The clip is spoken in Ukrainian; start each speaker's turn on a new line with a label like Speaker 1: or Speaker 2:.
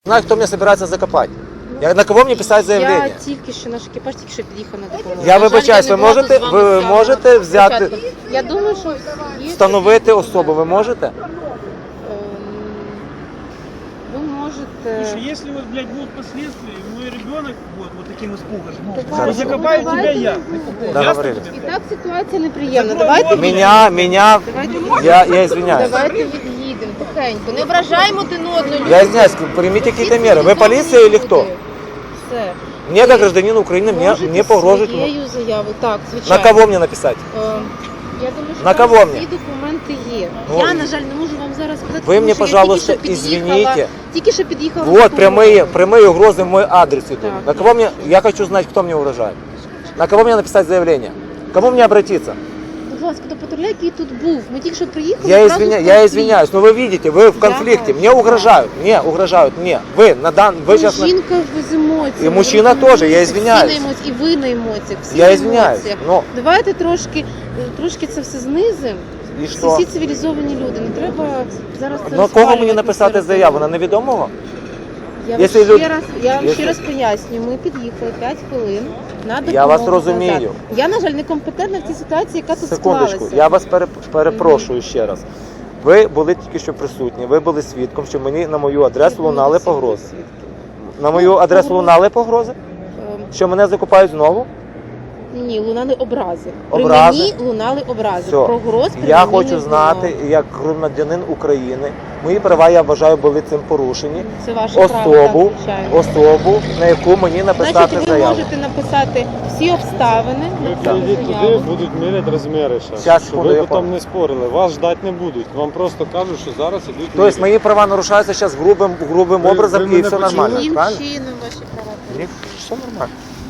Speaker 1: Знаю, хто мене збирається закопати. На кого мені писати заявлення?
Speaker 2: Я тільки що, наш екіпаж тільки що під'їхав на допомогу.
Speaker 1: Я вибачаюсь, ви можете взяти,
Speaker 2: Я думаю, що є...
Speaker 1: встановити особу, ви можете?
Speaker 2: Ви можете...
Speaker 3: Слушай, если вот, блядь, будут последствия, и мой ребенок вот таким испугом,
Speaker 2: Давайте,
Speaker 3: закопаю тебя
Speaker 2: давайте.
Speaker 3: я.
Speaker 1: Договорились.
Speaker 2: І так ситуація неприємна. Давайте
Speaker 1: Меня, я извиняюсь.
Speaker 2: Давайте від'їдемо тихенько. Не ображаємо один одного.
Speaker 1: Я извиняюсь, примите какие-то меры. Вы полиция или кто?
Speaker 2: Все.
Speaker 1: Мне, как гражданин Украины, мне погрожують.
Speaker 2: Своєю заяву, так,
Speaker 1: На
Speaker 2: звичайно.
Speaker 1: кого мне написать?
Speaker 2: Я думаю, що
Speaker 1: На
Speaker 2: там
Speaker 1: кого
Speaker 2: всі
Speaker 1: мені?
Speaker 2: документи є.
Speaker 1: Ну,
Speaker 2: Я, на жаль, не можу вам зараз сказати,
Speaker 1: Ви
Speaker 2: тому
Speaker 1: мені,
Speaker 2: що я
Speaker 1: пожалуйста,
Speaker 2: тільки що під'їхала-
Speaker 1: извините.
Speaker 2: Тільки що під'їхала.
Speaker 1: Вот
Speaker 2: на допомогу.
Speaker 1: прямые угрозы в мой адрес идут.
Speaker 2: Так.
Speaker 1: На кого мне, я хочу знать, кто мне угрожает. На кого мне написать заявление? К кому мне обратиться?
Speaker 2: Будь ласка, до патруля, який тут був. Ми тільки що приїхали.
Speaker 1: Я
Speaker 2: одразу в
Speaker 1: я
Speaker 2: конфлікт.
Speaker 1: извиняюсь, но вы видите, вы в конфликте. Мне угрожают, мне. Вы сейчас...
Speaker 2: Жінка без емоцій.
Speaker 1: І мужчина теж, я извиняюсь.
Speaker 2: Всі на емоціях, і ви на емоціях. Всі
Speaker 1: Я
Speaker 2: на
Speaker 1: извиняюсь,
Speaker 2: емоціях.
Speaker 1: но...
Speaker 2: Давайте трошки це все знизимо.
Speaker 1: І що?
Speaker 2: Всі цивілізовані люди. Не треба зараз це
Speaker 1: На кого
Speaker 2: розпалювати
Speaker 1: мені написати
Speaker 2: серед
Speaker 1: заяву? На
Speaker 2: людей.
Speaker 1: невідомого?
Speaker 2: Я
Speaker 1: Якщо
Speaker 2: вам
Speaker 1: люди-
Speaker 2: ще раз пояснюю. Ми під'їхали 5 хвилин на допомогу.
Speaker 1: Я вас розумію.
Speaker 2: назад. Я, на жаль, некомпетентна в цій ситуації, яка тут
Speaker 1: Секундочку,
Speaker 2: склалася.
Speaker 1: я вас перепрошую ще раз. Ви були тільки що присутні, ви були свідком, що мені на мою адресу лунали погрози. На мою адресу лунали погрози? Що мене закопають знову?
Speaker 2: Ні, лунали образи. При
Speaker 1: Образи?
Speaker 2: мені лунали образи.
Speaker 1: Все.
Speaker 2: Про гроз при
Speaker 1: Я
Speaker 2: мені не
Speaker 1: хочу
Speaker 2: було.
Speaker 1: знати, як громадянин України, мої права, я вважаю, були цим порушені.
Speaker 2: Це ваше право, так, звичайно.
Speaker 1: Особу, на яку мені написати
Speaker 2: Значить, ви
Speaker 1: заяву.
Speaker 2: можете написати всі обставини.
Speaker 4: Ви
Speaker 2: написати
Speaker 4: прийдіть туди,
Speaker 2: заяву.
Speaker 4: будуть міряти розміри ще.
Speaker 1: Щас,
Speaker 4: Щоб
Speaker 1: секунду,
Speaker 4: ви
Speaker 1: я
Speaker 4: потім
Speaker 1: понял.
Speaker 4: не спорили. Вас ждати не будуть. Вам просто кажуть, що зараз ідуть
Speaker 1: Тобто мої права нарушаються зараз грубим
Speaker 4: Ви
Speaker 1: образом і
Speaker 4: мене
Speaker 1: все
Speaker 4: почули?
Speaker 1: нормально,
Speaker 2: Яким
Speaker 1: правильно?
Speaker 2: чином ваші права?
Speaker 1: Ні, все нормально.